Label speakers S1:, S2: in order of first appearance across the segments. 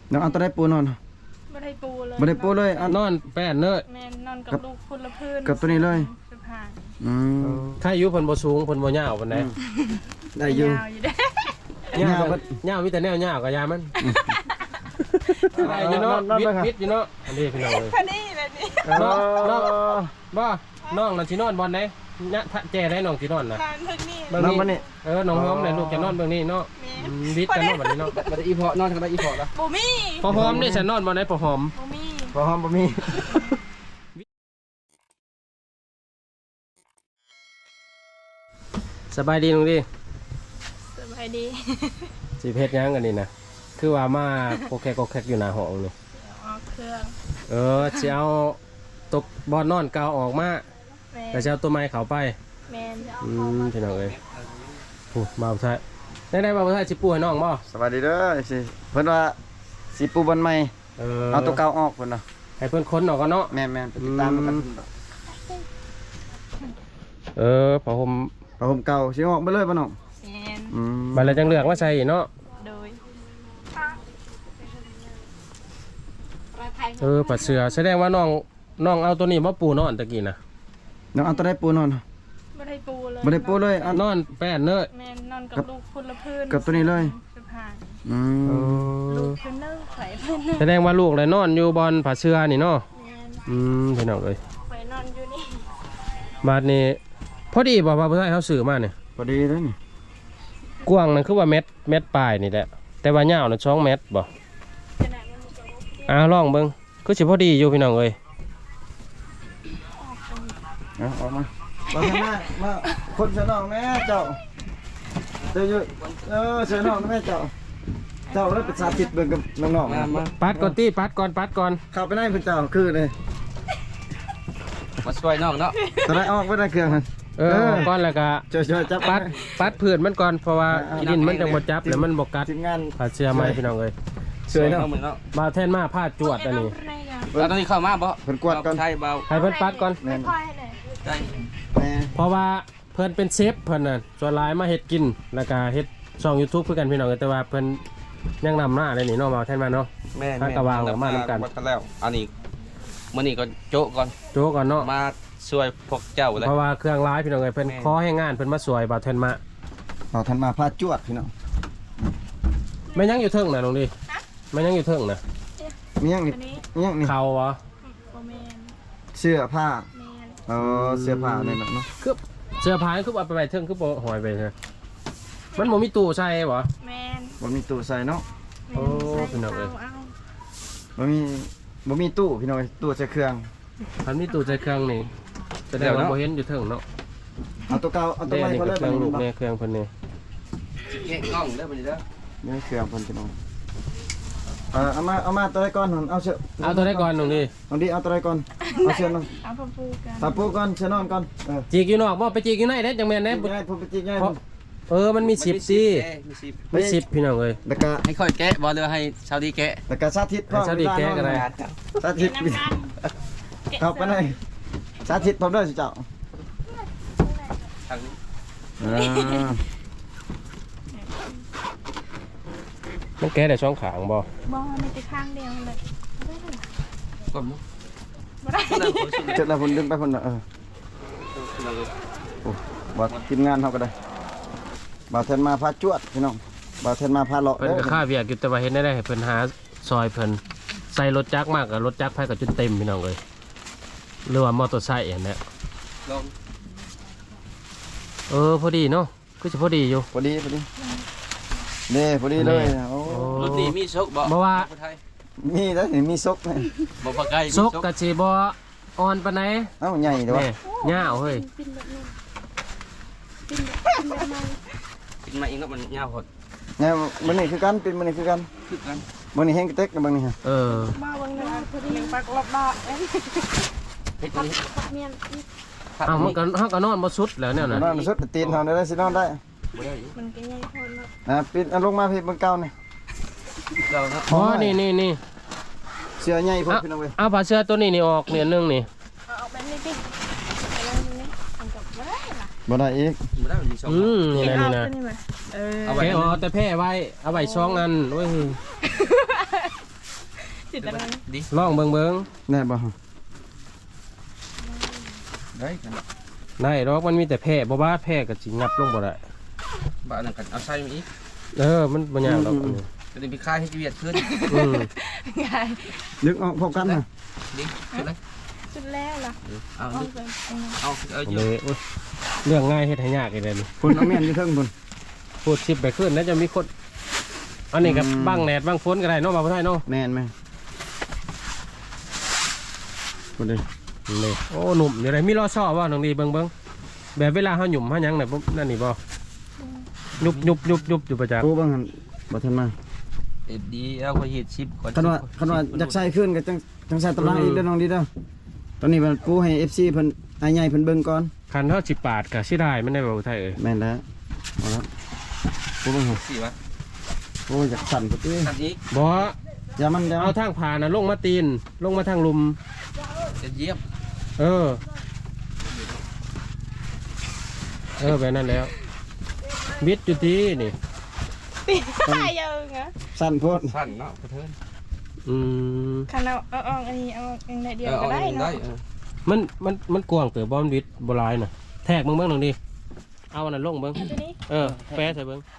S1: น้องเอาตัวได้ปูนอน
S2: บ่ได้ปูเลย
S1: บ่ได้ปูเลย
S3: นอนแป้นเนย
S2: แม่นอนกับลูกคนละพื้น
S1: กับตัวนี้เลย
S2: สะพาน
S3: ถ้าอายุเพิ่นบ่สูงเพิ่นบ่ยาวปานใด
S1: ได้อยู่
S2: ยาวอยู่เด้
S3: ยาวมีแต่แนวยาวกับยามันได้อยู่เนาะวิดอยู่เนาะอันนี้พี่น้องเลย
S2: คันนี้แบบนี้
S3: น้องบ่น้องน่ะสินอนบ่อนไหนเนี่ยถ้าแจ้ได้น้องสินอนน่ะ
S2: นอนทึกนี่
S3: เบิ่งนี่น้องหอมได้ลูกจะนอนเบิ่งนี่เนาะวิดจะนอนบัดนี้เนาะ
S1: บ่ได้อีพอนอนทางได้อีพอละ
S2: บ่มี
S3: พอหอมนี่ฉันนอนบ่ได้พอหอม
S2: บ่มี
S1: พอหอมบ่มี
S3: สบายดีลุงดิ
S2: สบายดี
S3: สิเพชรยังกันนี่นะคือว่ามาโคแคกอยู่หน้าห้องนี่
S2: เอาเครื่อง
S3: สิเอาตกบอลนอนเก่าออกมาแต่จะเอาตัวไม้เขาไป
S2: แม่นจะเอา
S3: พี่น้องเอ้ยมาบ่ใช่ได้บ่ใช่สิปูให้น้องบ่
S1: สวัสดีเด้อสิเพิ่นว่าสิปูบอลใหม่เอาตัวเก่าออกเพิ่นน่ะ
S3: ให้เพิ่นค้นออกกันเนาะ
S1: แม่นๆไปติดตามกัน
S3: ผ้าห่ม
S1: เก่าสิออกไปเลยบ่น้อง
S2: แม่น
S3: บัดแล้วจังเลือกมาใส่เนาะ
S2: โดย
S3: ปัดเสือแสดงว่าน้องเอาตัวนี้มาปูนอนตะกี้นะ
S1: น้องเอาตัวได้ปูนอน
S2: บ่ได้ปูเลย
S1: บ่ได้ปูเลย
S3: นอนแป้นเนย
S2: แม่นนอนกับลูกคนละพื้น
S1: กับตัวนี้เลย
S2: สะพาน
S3: ลูก
S2: เพิ่นเด้อไผเพิ่น
S3: แสดงว่าลูกเลยนอนอยู่บนผ้าเสือนี่เนาะพี่น้องเอ้ย
S2: ไปนอนอยู่นี่
S3: บาดนี้พอดีบ่ว่าเพิ่นให้เฮาซื้อมาเนี่ย
S1: พอดีเลยนี่
S3: กว้างนั่นคือว่าเม็ดปลายนี่แหละแต่ว่ายาวน่ะ2 เมตรบ่ลองเบิ่งคือสิพอดีอยู่พี่น้องเอ้ย
S1: ออกมามาคนเสือน้องแม่เจ้าเดี๋ยวเสือน้องแม่เจ้าแล้วเป็นสาธิตเบิ่งกับน้องๆมา
S3: ปัดก่อน
S1: เข้าไปในเพิ่นเจ้าคือเลย
S4: มาช่วยน้องเนาะ
S1: ตัวได้ออกไว้ในเครื่องนั่น
S3: ก่อนแล้วก็
S1: ช่วยจับ
S3: ปัดพื้นมันก่อนเพราะว่าดินมันจังบ่จับแล้วมันบ่กัด
S1: ทีมงาน
S3: ผ้าเสือใหม่พี่น้องเอ้ย
S1: ช่วยเนาะ
S3: บ่าวแทนมาผ้าจวดอันนี้
S4: เราตอนนี้เข้ามาบ่
S1: เพิ่นกวดก่อน
S4: ใช่เบา
S3: ให้เพิ่นปัดก่อนเพราะว่าเพิ่นเป็นเชฟเพิ่นน่ะส่วนหลายมาเฮ็ดกินแล้วก็เฮ็ดช่อง YouTube คือกันพี่น้องแต่ว่าเพิ่นยังนำหน้าได้นี่เนาะบ่าวแทนมาเนาะ
S4: แม่
S3: กระวางมานำกัน
S4: แล้วอันนี้มื้อนี้ก็โจ๊กก่อน
S3: เนาะ
S4: มาช่วยพวกเจ้าเลย
S3: เพราะว่าเครื่องร้ายพี่น้องเอ้ยเพิ่นขอให้งานเพิ่นมาสวยบ่าวแทนมา
S1: พาจวดพี่น้อง
S3: แม่ยังอยู่เทิงน่ะลุงดิแม่ยังอยู่เทิงน่ะ
S1: มียังนี่
S3: เขาเหรอ
S1: เสื้อผ้าเสื้อผ้าเนี่ยเนาะ
S3: คือเสื้อผ้าคือเอาไปเทิงคือบ่หอยไปใช่มันบ่มีตู้ใส่บ่
S2: แม่น
S1: บ่มีตู้ใส่เนาะ
S3: โอ้พี่น้องเอ้ย
S1: บ่มีตู้พี่น้องตู้ใส่เครื่อง
S3: มันมีตู้ใส่เครื่องนี่แสดงว่าบ่เห็นอยู่เทิงเนาะ
S1: เอาตัวเก่าเอาตัวใหม่เขาเลย
S3: เครื่องลูกเนี่ยเครื่องเพิ่นนี่
S4: แกะกล้องเด้อบัดนี้เด้อ
S1: นี่เครื่องเพิ่นพี่น้องเอามาตัวใดก่อนเอาเสื้อ
S3: เอาตัวใดก่อนน้องดิ
S1: เอาตัวใดก่อนเอาเสื้อน้อง
S2: เอาปูกัน
S1: ถ้าปูก่อนเสื้อนอนก่อน
S3: จีกอยู่นอกบ่ไปจีกอยู่ในเด้จังแม่นเด้
S1: ผมไปจีกไง
S3: มันมี10สิมี10พี่น้องเอ้ย
S1: แล้วก็
S4: ให้ค่อยแกะบ่หรือให้ชาวดีแกะ
S1: แล้วก็สาธิตพร้อม
S3: ชาวดีแกะก็ได้
S1: สาธิตเข้าไปเลยสาธิตพร้อมเด้อสิเจ้า
S3: มันแกะได้ช่องขางบ่
S2: มีแต่ข้างเดียวเลย
S4: ก่อนเนาะ
S1: เสร็จแล้วผมดึงไปคนละบ่ทีมงานเฮาก็ได้บ่าวแทนมาพาจวดพี่น้องบ่าวแทนมาพาเลาะ
S3: เพิ่นก็ค่าเวียกอยู่แต่ว่าเฮ็ดได้ให้เพิ่นหาซอยเพิ่นใส่รถจักรมากกับรถจักรไผก็จนเต็มพี่น้องเอ้ยหรือว่ามอเตอร์ไซค์อันนี้
S4: ลอง
S3: พอดีเนาะคือสิพอดีอยู่
S1: พอดีนี่พอดีเลยโอ้
S4: รถนี่มีซก
S3: บ่ว่า
S1: มีแล้วมีซกมั้ย
S4: บ่ปากไก่
S3: ซกก็สิบ่อ่อนปานใด
S1: ใหญ่ด้วย
S3: ยาวเฮ้ย
S4: กินมาเองแล้วมันยาวหด
S1: เนี่ยมันนี่คือกันเป็นมันนี่คือกันมันนี่แห้งกระเต็กกับบางนี่ฮะ
S2: มาบางนี่พอดีปักรอบดอก
S4: เฮ็ดนี้
S2: เมียน
S3: มันก็นอนบ่สุดแล้วเนี่ยนะ
S1: นอนบ่สุดตีนเฮาได้สินอนได้
S2: มันก็ใหญ่พอเนาะ
S1: ปิดลงมาพี่เบิ่งเก่านี่
S3: นี่
S1: เสื้อใหญ่พุ่นพี่น้องเว้ย
S3: เอาผ้าเสื้อตัวนี้ออกเนี่ยนึงนี่
S2: เอาแบบนี้ดิ
S1: บ่ได้อีก
S4: บ่ได้มี2
S3: นี่นะเอาไว้แต่แพ้ไว้เอาไว้2อันโอ้ย
S2: แต่ละ
S4: ดิ
S3: ลองเบิ่ง
S1: ได้บ่
S4: ได้กัน
S3: ได้ดอกมันมีแต่แพร่บ่บาดแพร่ก็สิงับลงบ่ได้
S4: บ้านนั่นกันเอาใส่มาอีก
S3: มันบ่ยากดอกอันนี้
S4: จะได้ไปคายให้เวียดขึ้น
S3: อืม
S2: ง่าย
S1: ดึงออกพบกันนะ
S4: ดิขึ้นเลย
S2: สุดแล้วล่ะ
S4: เอา
S2: เอา
S4: ดิ
S2: ไป
S4: เอาอยู่
S3: เลยโอ๊ยเรื่องง่ายเฮ็ดให้ยากอีกแล้วนี่
S1: คุณเอาแม่นอยู่เทิงคุณ
S3: พูดสิบไปขึ้นแล้วจะมีคนอันนี้กับบังแดดบังฝนก็ได้เนาะบ่าวไทยเนาะ
S1: แม่นไหมคุณดิ
S3: นี่โอ้หนุ่มอยู่ไหนมีรอซ่อบ่น้องดีเบิ่งแบบเวลาเฮาหยุ่มเฮาหยังน่ะปุ๊บนั่นนี่บ่ยุบอยู่ประจักษ์
S1: กูบ้างหันบ่ทันมา
S4: เอ็ดดีเอาไปเห็ดชิปก่อน
S1: คันว่าอยากใส่ขึ้นก็จังใส่ตารางอีกเด้อน้องดีเด้อตอนนี้มันปูให้ FC เพิ่นอ้ายใหญ่เพิ่นเบิ่งก่อน
S3: คันเฮาสิปาดก็สิได้มันได้บ่าวไทยเอ้ย
S1: แม่นแล้วเอาละปูบ้างหัน
S4: สิวะ
S1: โอ้ยอยากสั่นพุ่นติ
S4: ตัดอีก
S3: บ่
S1: อย่ามันเดี๋ยว
S3: เอาทางผ่านน่ะลงมาตีนลงมาทางลุม
S4: จะเย็บ
S3: แบบนั้นแล้วบิดอยู่ที่นี่
S2: ตีตายยังอ่ะ
S1: สั่นโพด
S4: สั้นเนาะกระเทิน
S3: อืม
S2: คันเอาอันนี้เอาเองได้เดียวก็ได้
S4: ได้
S2: เนาะ
S3: มันกว้างเติบบ่มันบิดบ่หลายน่ะแทกเบิ่งน้องดีเอาอันนั้นลงเบิ่ง
S2: ตัวนี้
S3: แปะใส่เบิ่ง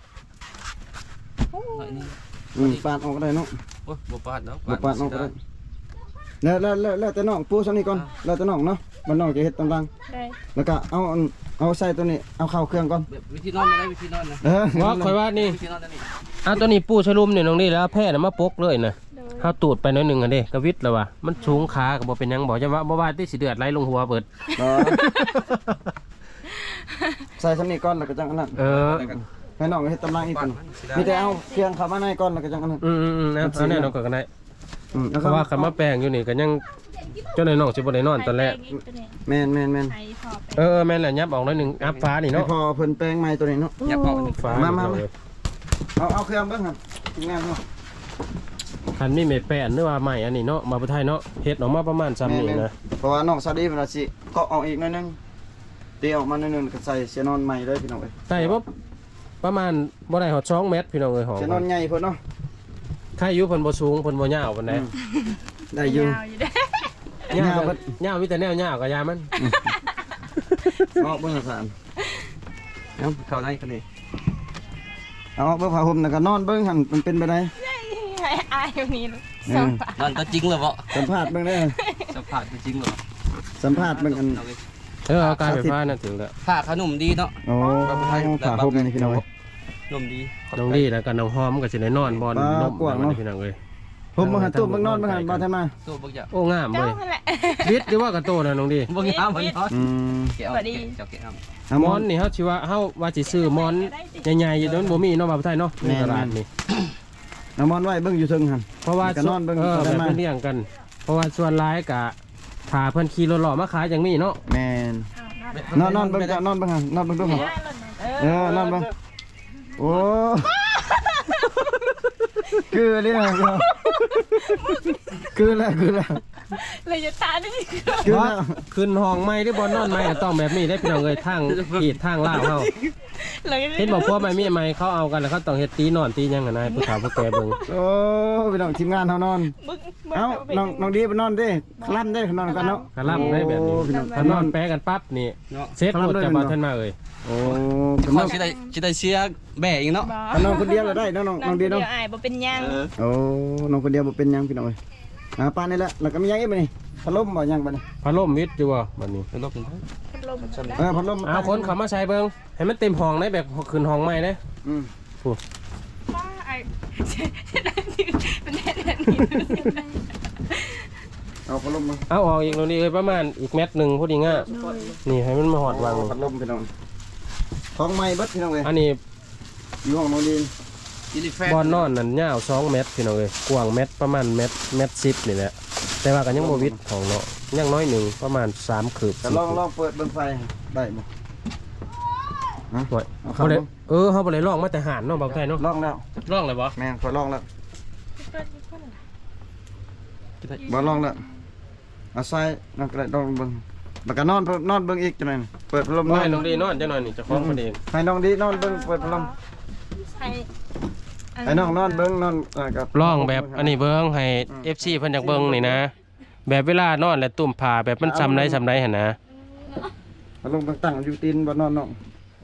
S1: ปาดออกก็ได้เนาะ
S4: โอ้ยบ่ปาดเนาะ
S1: บ่ปาดออกก็ได้แล้วแต่น้องปูซั่นนี่ก่อนแล้วแต่น้องเนาะมันน้องจะเฮ็ดตำลัง
S2: ได้
S1: แล้วก็เอาใส่ตัวนี้เอาเข้าเครื่องก่อน
S4: วิธีนอนไม่ได้วิธีนอนนะ
S3: ว่าข่อยว่านี่
S4: วิธีนอนนั่นนี่
S3: เอาตัวนี้ปูชะลุมนี่น้องดีแล้วเอาแพร่น่ะมาปกเลยน่ะ
S2: โดย
S3: เฮาตูดไปหน่อยหนึงอ่ะเด้กระวิดแล้วว่ะมันสูงขาก็บ่เป็นหยังบ่จะว่าบ่ว่าที่สิเดือดไหลลงหัวเบิด
S1: ใส่สำนีก่อนแล้วก็จังอันนั้น ให้น้องเฮ็ดตำลังอีก
S4: ปา
S1: ค
S4: ด
S1: น
S4: มันสิ
S1: มี
S4: ได้
S1: แต่เอาเครื่องเข้ามาในก่อนแล้วก็จังอันนั้น
S3: เอาแน่นอนก็ได้
S1: แล้ว
S3: เพ
S1: ก็
S3: ราะว่าคันมาแปลงอยู่นี่ก็ยังเจ้าหน่อยน้องสิบ่ได้นอนตอนแรก
S1: แม่น
S2: ไอ้พอไป
S3: แม่นแหละยับออกหน่อยหนึงอัพฟ้านี่
S1: ให้
S3: เนาะ
S1: พอเพิ่นแปลงใหม่ตัวนี้เนาะ
S4: ยับเอาอันนี้
S3: ฟ้า
S1: มา
S3: เลย
S1: เอาเครื่องเบิ่งครับงามเนาะ
S3: คันมีเม็ดแป้นหรือว่าใหม่อันนี้เนาะมาบ่ไทยเนาะเฮ็ดออกมาประมาณซ้ำนี่นะ
S1: เพราะว่าน้องซาดีเพิ่นว่าสิเกาะออกอีกหน่อยนึงตีออกมาหน่อยนึงก็ใส่เสียนอนใหม่เลยพี่น้องเอ้ย
S3: ได้บ่ประมาณบ่ได้ฮอด2เมตรพี่น้องเอ้ยหอม
S1: เสียนอนใหญ่เพิ่นเนาะ
S3: ใครอยู่เพิ่นบ่สูงเพิ่นบ่ยาวปานใด
S1: ได้อยู่
S2: ยาวอยู่เด้
S3: ยาว ยาวมีแต่แนวยาวก็ยามัน
S1: ออกเบิ่งสาร
S4: เอาเข้าในกันนี่
S1: เอาเบิ่งผ้าห่มแล้วก็นอนเบิ่งหั่นมันเป็นไปได้
S2: ให้อายอยู่นี่สองปาก
S4: นอนก็จริงเลยบ่
S1: สัมภาษณ์เบิ่งได้
S4: สัมผัสจริงเลย
S1: สัมภาษณ์เบิ่งอัน
S3: เอาการไฟฟ้านั่นถึงแล้ว
S4: ผ้าขนมดีเนาะ
S1: โอ้ผ้าห่มนี่พี่น้องเอ้ย
S4: นมดี
S3: น้องดีแล้วก็น้องหอมก็สิได้นอนบอนนม
S1: กว้างเนาะ
S3: พี่น้องเอ้ย
S1: ห่มบ่หันตู้เบิ่งนอนเบิ่งหันบ่ทันมา
S4: ตัวบ่อยาก
S3: โอ้งาม
S2: เจ้า
S3: เว้ย
S2: นั่นแหละ
S3: วิทย์หรือว่ากระโตนะน้องดี
S4: บ่งามมันเนาะ
S1: อืม
S4: แกเอาเจ้าแกเอา
S1: เอา
S3: มอนนี่เฮาสิว่าเฮาว่าสิซื้อมอนใหญ่ๆอยู่โดนบ่มีเนาะมาบ่ไทยเนาะในตลาดนี่
S1: เอามอนไว้เบิ่งอยู่เทิงหั่น
S3: เพราะว่า
S1: ก็นอนเบิ่ง
S3: แบบ
S1: ได้มา
S3: เพิ่นเลี้ยงกัน เพราะว่าส่วนหลายก็ถ้าเพิ่นขี่รถหล่อมาขายจังมีเนาะ
S1: แม่นนอนเบิ่งจ้ะนอนเบิ่งหั่นนอนเบิ่งดูหั่นนอนเบิ่งโอ้คือเลยนะคือแล้ว
S2: เลยจะตาได้
S1: คือแล้ว
S3: ขึ้นห้องใหม่หรือบ่นอนใหม่ก็ต้องแบบนี้ได้พี่น้องเอ้ยทางขีดทางลาวเฮา
S2: เลย
S3: เห็นบอกพวกใหม่มีใหม่เขาเอากันแล้วเขาต้องเฮ็ดตีนอนตีหยังกันนายผู้สาวผู้แก่เบิ่ง
S1: โอ้พี่น้องทีมงานเฮานอน
S2: บึ้ง
S1: เอ้าน้องดีไปนอนเด้คลั่นได้นอนกันเนาะ
S3: กะล่ำได้แบบนี้
S1: โอ้พี่น้อง
S3: ถ้านอนแปะกันปั๊บนี่
S4: เนาะ
S3: เซ็ตหมดจะบ่ทันมาเอ้ย
S1: โอ้
S4: เขาสิได้เสียแบ่อีกเนาะ
S1: นอนคนเดียวแล้วได้น้องดี
S2: เดี
S1: เนาะ
S2: ยวอายบ่เป็นยัง
S1: โอ้น้องคนเดียวบ่เป็นหยังพี่น้องเอ้ยปานนี่แหละแล้วก็มีหยังอีกบ่นี่พัดลมบ่ยังบ่นี่
S3: พัดลมวิทย์อยู่บ่บัดนี้
S4: เป็นรถเป็น
S2: ลม
S1: พัดลม
S3: เอาคนเข้ามาใช้เบิ่งให้มันเต็มห้องได้แบบขึ้นห้องใหม่ได้
S1: อืม
S2: ป้าไอ้เป็นแดดนี้
S1: เอาพัดลมมา
S3: เอาออกอีกตรงนี้เอ้ยประมาณอีกเม็ดหนึงพอดีง่ะนี่ให้มันมาหอดวาง
S1: พัดลมพี่น้องของใหม่เบิดพี่น้องเอ้ย
S3: อันนี้
S1: อยู่ห้องน้องดี
S4: อิลิแฟน
S3: บอนนอนนั่นยาว2เมตรพี่น้องเอ้ยกว้างเมตรประมาณเมตร10นี่แหละแต่ว่าก็ยังบ่วิดของเนาะยังน้อยหนึงประมาณ3คืบ
S1: แต่ลองเปิดเบิ่งไฟได้บ่ฮะ
S3: โอ้ย
S1: เอาเข้า
S3: บ่ได้
S1: บ่
S3: เฮาบ่ได้ลองมาแต่หานเนาะบ่าวไทยเนาะ
S1: ลองแล้ว
S3: ลองเลยบ่
S1: แม่นขอลองแล้วบ่ลองแล้วเอาใส่นอนก็ได้ลองเบิ่งแล้วก็นอนเบิ่งอีกจังได๋เปิดพัดลม
S3: บ่ให้น้องดีนอนจังหน่อยนี่เจ้าของบ่ดี
S1: ให้น้องดีนอนเบิ่งเปิดพัดลม
S2: ให้อ
S1: ไอ้น้องนอนเบิ่งนอนกับ
S3: ลองแบบอันนี้เบิ่งให้ FC เพิ่นอยากเบิ่งนี่นะแบบเวลานอนแล้วตุ่มผ้าแบบมันซำได้หั่นนะ
S1: มาลงตั้งอยู่ตีนบ่นอนน้อง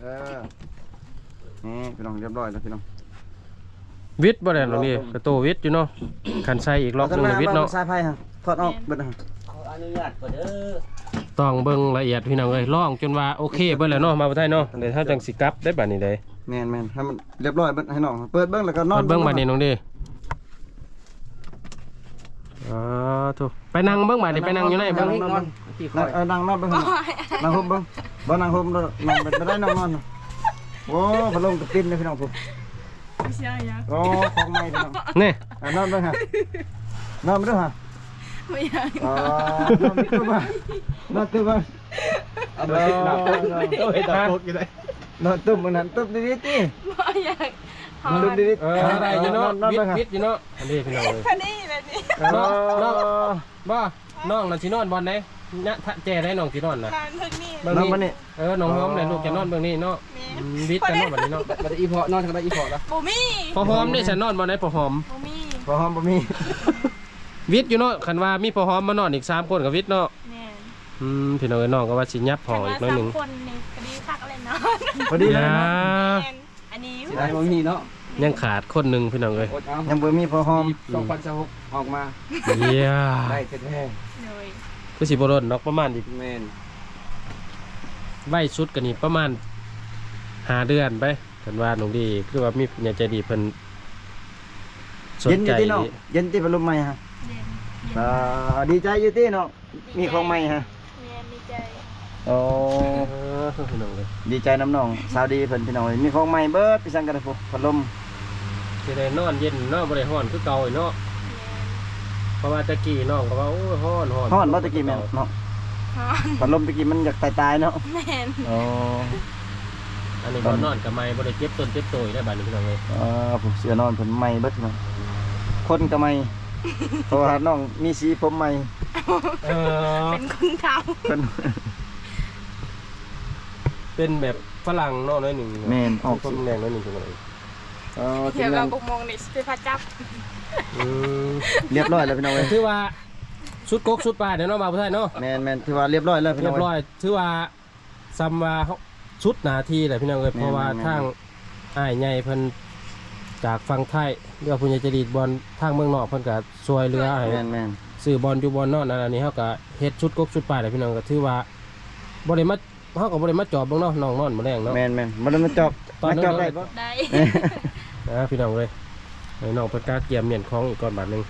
S1: นี่พี่น้องเรียบร้อยแล้วพี่น้อง
S3: วิทย์บ่ได้หรอกนี่กระโตวิทย์อยู่เนาะคันใส่อีกรอบหนึงวิทย์เนาะ
S1: สายไฟฮะถอดออกเบิดฮะ
S4: ขออนุญาตก่อนเด้อ
S3: ต้องเบิ่งละเอียดพี่น้องเอ้ยลองจนว่าโอเคเบิดแล้วเนาะมาบ่ได้เนาะเดี๋ยวเฮาจังสิกลับได้บัดนี้ได้
S1: แม่นให้มันเรียบร้อยเบิดให้น้องเปิดเบิ่งแล้วก็นอน
S3: เบิ่งบัดนี้น้องดิถูกไปนั่งเบิ่งบัดนี้ไปนั่งอยู่ไหนเบิ่ง
S4: นอนที่คอย
S1: นั่งนอนเบิ่งนั่งห่มเบิ่งบ่นั่งห่มนอนไปได้นอนโอ้พัดลมกับปิ้นเลยพี่น้องผม
S2: ไม่ใช่ยัง
S1: โอ้ของใหม่พี่น้อง
S3: นี่
S1: นอนเบิ่งฮะนอนไปด้วยฮะ
S2: ไม่ยัง
S1: นอนมิดตัวมานอนตัวมา
S4: เอาไปติดดับเอาไปดับอยู่ได้
S1: นอนตุ้มมันนั่นตุ้มดีๆติ
S2: ไม่ยังหอ
S1: ตุ้ม
S2: น
S1: ดี
S3: ได้อยู่เนาะวิทย์อยู่เนาะอันนี้พี่น้องเอ้ย
S2: คันนี้แบบนี้
S3: บ่น้องน่ะสินอนบ่อนไหนณทะแจได้น้องสินอนน่ะ
S2: นานเพิ่งนี่
S3: เบิ่ง
S1: นอนมา
S3: นี่
S1: นี่
S3: น้องหอมเลยลูกจะนอนเบิ่งนี่เนาะวิทย์กันเนาะบัดนี้เนาะ
S4: บัดอีพอนอนทางใดอีพอละ
S2: บูมี่
S3: พอหอมนี่ฉันนอนบ่ไหนพอหอม
S2: บูมี่
S1: พอหอมบ่มี
S3: วิทย์อยู่เนาะคันว่ามีพอหอมมานอนอีก3คนกับวิทย์เนาะ
S2: แม่
S3: พี่น้องเอ้ยน้องก็ว่าสิยับห้องอีกหน่อยหนึง
S2: คนในคดีคักอะไรเนาะ
S1: พอดีเลย
S3: อย่า
S1: นะ
S2: อันนี้
S4: สิได้บ่มีเนาะ
S3: ยังขาดคนหนึงพี่น้องเอ้ย
S4: อดเอา
S1: ยังบ่มีพอหอม
S4: 2026ออกมา
S3: เยี่ย
S4: ได้แท้
S2: เลย
S3: ก็สิบ่รนเนาะประมาณอีก
S4: ๆแม่น
S3: ไว้ชุดกันนี่ประมาณ5 เดือนไปกันว่าน้องดีคือว่ามีผู้ใหญ่ใจดีเพิ่นสน
S1: เย็นอ
S3: ใจ
S1: ยู่ที่น้องเย็นที่พัดลมใหม่ฮะ
S2: เย็น
S1: ดีใจอยู่ที่น้องมีของใหม่ฮะ
S2: เย็นดีใจ
S1: โอ้
S3: พี่น้องเลย
S1: ดีใจน้ำน้องสาวดีเพิ่นพี่น้องมีของใหม่เบิดพี่สังกันเลยพวกพัดลม
S3: สิได้นอนเย็นเนาะบ่ได้ร้อนคือเก่าอีกเนาะเพราะว่าตะกี้น้องก็ว่าโอ้ยร้อน
S1: ฮ้อนบ่ตะกี้แม่นเนาะ
S2: ฮอน
S1: พัดลมตะกี้มันอยากตายๆเนาะ
S2: แม่น
S1: โอ้
S3: อันนี้บ่นอนกับไม้บ่ได้เจ็บต้นเจ็บโตยได้บัดนี้พี่น้องเอ้ย
S1: ผมเสื้อนอนเพิ่นใหม่เบิดพี่น้องคนก็ใหม่เพราะว่าน้องมีสีผมใหม่
S2: เป็นคนเก่า
S1: เพิ่น
S3: เป็นแบบฝรั่งเนาะน้อยหนึง
S1: แม่นออก
S3: คนแดงน้อยหนึงพี่น้องเอ้ย
S1: ที
S2: เดี๋ยว
S1: มงา
S2: เรา
S1: น
S2: กุกมองนี่ไปพาจับ
S1: เรียบร้อยแล้วพี่น้องเอ้ย
S3: ถือว่าสุดกกสุดปลายเดี๋ยวเนาะมาบ่ได้เนาะ
S1: แม่นถือว่าเรียบร้อยแล้วพี่
S3: เรี
S1: น้
S3: ย
S1: อง
S3: บร้อยถือว่าซ้ำว่าชุดหน้าที่แหละพี่น้องเอ้ย
S1: แม่น
S3: เพราะว่า
S1: แม่น
S3: ทางอ้ายใหญ่เพิ่นจากฝั่งไทยเรือผู้ใหญ่ใจดีบอลทางเมืองนอกเพิ่นก็ช่วยเหลือให้
S1: แม่น
S3: ซื้อบอลอยู่บอลนอนอันนี้เฮาก็เฮ็ดชุดกกชุดปลายแหละพี่น้องก็ถือว่าบ่ได้มาเฮาก็บ่ได้มาจอบเบิ่งเนาะน้องนอนบ่แรงเนาะ
S1: แม่นบ่ได้มาจอบ
S3: ตอนนั้น
S1: มาจอบได้บ่
S2: ได้
S3: นะพี่น้องเอ้ยให้น้องเพิ่นกล้าเกียมเมียนของอีกก่อนบาทหนึง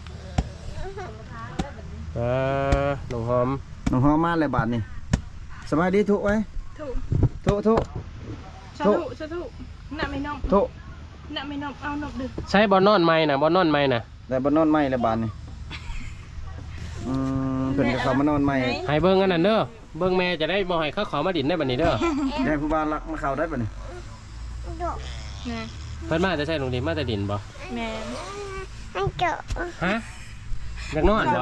S3: น้องหอม
S1: น้องหอมมาแล้วบาดนี้สบายดีทุกไว้
S2: ถูก
S1: ทุก
S2: สาธุสาธุน่ะไม่นม
S1: ทุก
S2: น่ะไม่นมเอานมดึก
S3: ใช้บอลนอนใหม่น่ะบอลนอนใหม่น่ะ
S1: แต่บ่นอนใหม่แล้วบาดนี้เพิ่นก็เข้ามานอนใหม่
S3: ให้เบิ่งอันนั้นเด้อเบิ่งแม่จะได้บ่ให้เขาขอมาดินได้บัดนี้เด้อ
S1: ได้ผู้บ้านรักมาเข้าได้บัดนี้
S2: นะ
S3: เพิ่นมาจะใช้ลงดินมาแต่ดินบ่
S2: แม่น
S3: ฮะอยากนอนบ่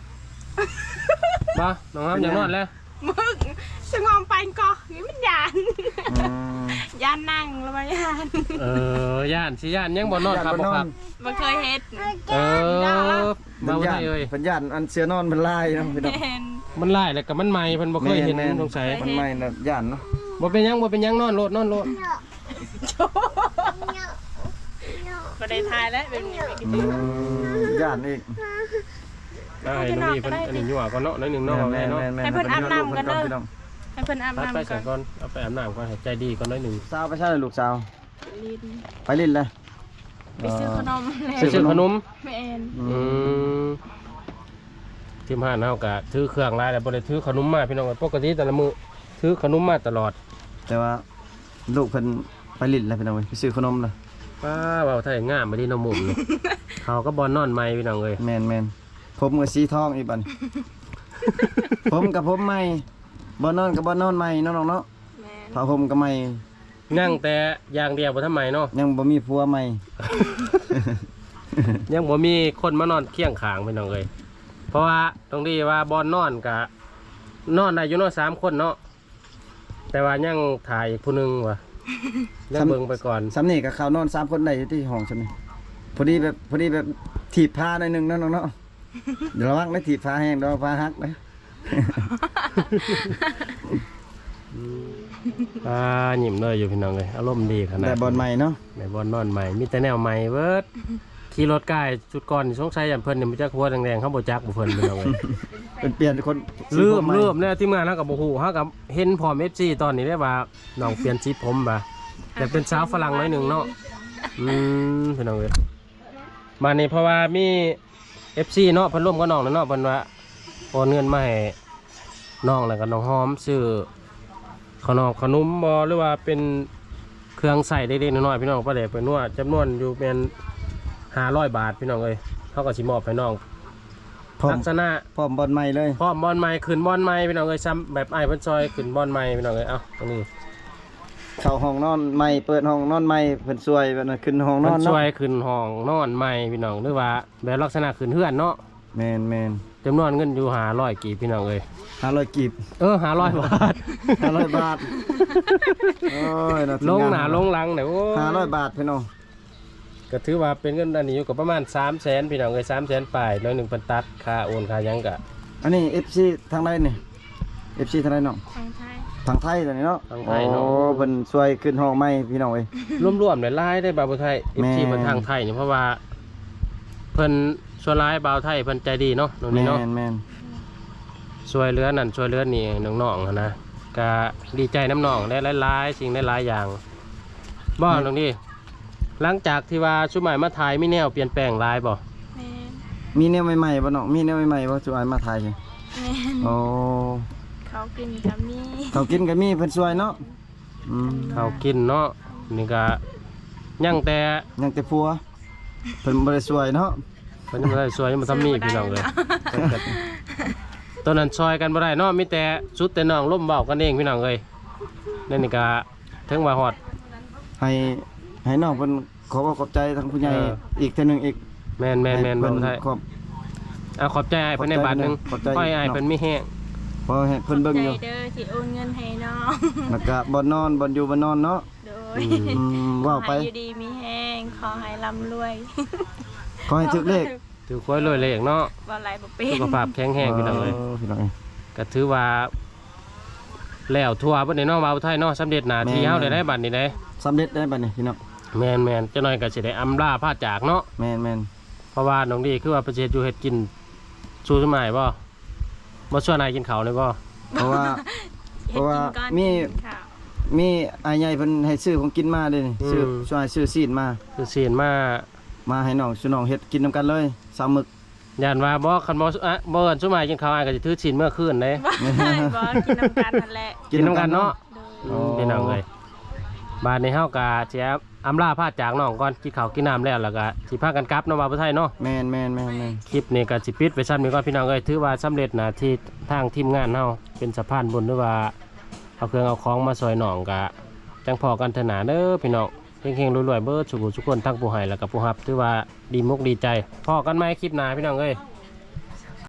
S3: บ่น้องหอมอยากนอนแล้ว
S2: มึงสงอมไปก่อนนี่มันยานยานนั่งแล้วมายาน
S3: ย่านสิย่านยังบ่นอนครับบ่ครับ
S2: มันเคยเฮ็ด
S3: มาบ่ได้เอ้ย
S1: เพิ่นย่านอันเสือนอนเพิ่นลายเนาะพี่น้อง
S2: แม่น
S3: มันหลายแล้วก็มันใหม่เพิ่นบ่เคยเห็นสงสัย
S1: มันใหม่น่ะย่านเนาะ
S3: บ่เป็นหยังนอนโลด
S2: บ่ได้ทายแล้วเป็นนี้ไปกิน
S1: ย่านอีก
S3: ได้น้องนี่เพิ่นอันนี้ยั่วก่อนเนาะน้อยหนึงเนาะแม่เนาะ
S2: ให้เพิ่นอาบน้ำกันเด้อ
S1: พี่น้อง
S2: ให้เพิ่นอาบ
S3: ไป
S2: น้ำ
S3: ไป
S2: ก่
S3: ใส่
S2: อน
S3: ก่อนเอาไปอาบน้ำก่อนให้ใจดีก่อนน้อยหนึง
S1: สาวไปใช่ลูกสาว
S2: ลิ้น
S1: ไปลิ้นเลย
S2: ไปซื้อขนมแล้ว
S3: ซื้อขนม
S2: แม่น
S3: ทีมห้านเฮาก็ถือเครื่องหลายแล้วบ่ได้ถือขนมมาพี่น้องปกติแต่ละมื้อถือขนมมาตลอด
S1: แต่ว่าลูกเพิ่นไปลิ้นแล้วพี่น้องไปซื้อขนมเลย
S3: ป้าเว้าไทยงามบ่ดีน้องมุมนี่ เขาก็บ่นอนใหม่พี่น้องเอ้ย
S1: แม่นผมกับสีทองอีกบัด ผมกับผมใหม่บ่นอนกับบ่นอนใหม่เนาะน้องเนาะ
S2: แม่น
S1: ผ้าห่มก็ใหม่
S3: นั่งแต่อย่างเดียวบ่ทำไมเนาะ
S1: ยังบ่มีผัวใหม่
S3: ยังบ่มีคนมานอนเคียงข้างพี่น้องเอ้ยเพราะว่าตรงที่ว่าบ่นอนก็นอนได้อยู่เนาะ3คนเนาะแต่ว่ายังถ่ายอีกผู้หนึงว่ะแล้วเบิ่งไปก่อน
S1: ซ้ำนี่กับเขานอน3คนได้อยู่ที่ห้องใช่ไหมพอดีแบบถีบผ้าหน่อยหนึงเนาะน้องเนาะเดี๋ยวระวังได้ถีบผ้าแห้งเดี๋ยวผ้าหักนะ
S3: หยิ้มเลยอยู่พี่น้องเลยอารมณ์ดีขนาด
S1: แต่บอลใหม่เนาะ
S3: ในบอลนอนใหม่มีแต่แนวใหม่เบิดขี่รถใกล้จุดก่อนสงสัยอย่างเพิ่นเนี่ยมันจะหัวแดงๆเขาบ่จักบ่เพิ่นพี่น้องเลย
S1: เป็นเปลี่ยนคน
S3: เริ่มเนี่ยทีมงานเขากับบ่ฮู้เขากับเห็นพร้อม FC ตอนนี้ได้ว่าน้องเปลี่ยนสีผมบ่แต่เป็นสาวฝรั่งน้อยหนึงเนาะพี่น้องเอ้ยมานี่เพราะว่ามี FC เนาะเพิ่นร่วมกับน้องเนาะเพิ่นว่าโอนเงินมาให้น้องแล้วก็น้องหอมซื้อขนมบ่หรือว่าเป็นเครื่องใส่เล็กๆน้อยๆพี่น้องประเดี๋ยวไปนวดจำนวนอยู่เป็น500 บาทพี่น้องเอ้ยเขาก็สิมอบให้น้องลักษณะ
S1: พร้อมบอลใหม่เลย
S3: พร้อมบอลใหม่ขึ้นบอลใหม่พี่น้องเอ้ยซ้ำแบบไอ้เพิ่นซอยขึ้นบอลใหม่พี่น้องเอ้ยเอ้าตรงนี้
S1: เข้าห้องนอนใหม่เปิดห้องนอนใหม่เพิ่นช่วยแบบนั้นขึ้นห้องน
S3: เพิ่
S1: อน
S3: น
S1: เนาะ
S3: ซอยขึ้นห้องนอนใหม่พี่น้องหรือว่าแบบลักษณะขึ้นเฮือนเนาะ
S1: แมน
S3: จำนวนเงินอยู่500กีบพี่น้องเอ้ย
S1: 500กีบ
S3: 500 บาท
S1: 500 บาทโอ้ยน่า
S3: ลงหน้าลงหลังเนี่ยโอ้
S1: 500 บาทพี่น้อง
S3: ก็ถือว่าเป็นเงินอันนี้อยู่กับประมาณ300,000พี่น้องเอ้ย300,000ปลายน้อยหนึงเพิ่นตัดค่าโอนค่าหยังก็
S1: อันนี้ FC ทางใดนี่ FC ทางใดน้อง
S2: ทางไทย
S1: ทางไทยตัวนี้เนาะ
S3: ทางไทยเนาะ
S1: โอ้เพิ่นช่วยขึ้นห้องใหม่พี่น้องเอ้ย
S3: รวมๆเนี่ยหลายได้บ่าวไทย
S1: แม่
S3: FC มันทางไทยนี่เพราะว่าเพิ่นส่วนหลายบ่าวไทยเพิ่นใจดีเนาะตรงนี้เนาะ
S1: แมน
S3: ช่วยเหลือนั่นช่วยเหลือนี่น้องๆหั้นนะก็ดีใจน้ำน้องได้หลายๆสิ่งได้หลายอย่างบ่ตรงนี้หลังจากที่ว่าชุดใหม่มาถ่ายมีแนวเปลี่ยนแปลงหลายบ่
S2: แม่น
S1: มีแนวใหม่ๆบ่น้องมีแนวใหม่ๆบ่ช่วยมาถ่ายนี่
S2: แม่น
S1: โอ้
S2: เขากินกับมี
S1: เขากินก็มีเพิ่นช่วยเนาะอืม
S3: เขากินเนาะนี่ก็ยังแต่
S1: ยังแต่ผัวเพิ่นบ่ได้ช่วยเนาะ
S3: เพิ่นยังบ่ได้ช่วยยังบ่ทำนี่พี่น้องเลยตอนนั้นช่วยกันบ่ได้เนาะมีแต่สุดแต่น้องล้มเว้ากันเองพี่น้องเอ้ยนั่นนี่ก็ถึงว่าฮอด
S1: ให้น้องเพิ่นขอบใจทางผู้ใหญ่
S3: เออ
S1: อีกเทื่อนึงอีก
S3: แม่น
S1: ให้
S3: บ่
S1: เพิ่น
S3: ได้
S1: ขอบ
S3: ใจอ้ายเพิ่นในบาทหนึง
S1: ขอบใจ
S3: ขอให้อ้ายเพิ่นมีแฮง
S1: พอให้เพิ่นเบิ่งอยู่
S2: ใจเด้อที่โอนเงินให้น้อง
S1: แล้วก็บ่นอนบ่อยู่บ่นอนเนาะ
S2: โดย
S1: ว้าวไป
S2: ขอให้อยู่ดีมีแห้งขอให้ร่ำรวย
S1: ขอให้ถึกเลข
S3: ถือควยรวยเลขเนาะ
S2: บ่ไหลบ่เป็น
S3: สุขภาพแข็งแรงพี่น้องเอ้ย
S1: พี่น้องเอ้ย
S3: ก็ถือว่าแล้วทั่วเพิ่นได้เนาะบ่าวไทยเนาะสำเร็จหน้าที่
S1: แม่น
S3: เฮาได้บัดนี้ได้
S1: สำเร็จได้บัดนี้พี่น้อง
S3: แม่นๆจักหน่อยก็สิได้อำลาพาจากเนาะ
S1: แม่น
S3: เพราะว่าน้องดีคือว่าประเทศอยู่เฮ็ดกินสู้สมัยบ่บ่ชวนนายกินข้าวเลยบ่
S1: เพราะว่า เพราะว่ามี
S2: กินข้าว
S1: มีอายใหญ่เพิ่นให้ซื้อของกินมาเด้นี่ซื้อช่วยซื้อซีนมา
S3: คือศีลมา
S1: มาให้น้องสุน้องเฮ็ดกินนํกันเลยสามมึก
S3: ย่านว่าบ่คันบ่บ่เอิ้นสมัยกินข้าวอ้ายก็สิถือศีลเมื่อคืนเด้
S2: บ่บ่กินน้ำกันนั่นแหละ
S3: กินนํกันเนาะ
S2: โดย
S3: พี่น้องเอ้ยบ้านนี้เฮาก็สิอำลาพาจากน้องก่อนกินข้าวกินน้ำแล้วแล้วก็สิพากันกลับเนาะบ่าวไทยเนาะ
S1: แม่น
S3: คลิปนี้ก็สิปิดไปซ้ำนี้ก่อนพี่น้องเอ้ยถือว่าสำเร็จหน้าที่ทางทีมงานเฮาเป็นสะพานบุญหรือว่าเอาเครื่องเอาของมาซอยน้องก็จังพอกันเถอะหนาเด้อพี่น้องเฮงๆรวยๆเบิดสุขทุกคนทั้งผู้ให้แล้วก็ผู้รับถือว่าดีมุกดีใจพอกันไหมคลิปหน้าพี่น้องเอ้ย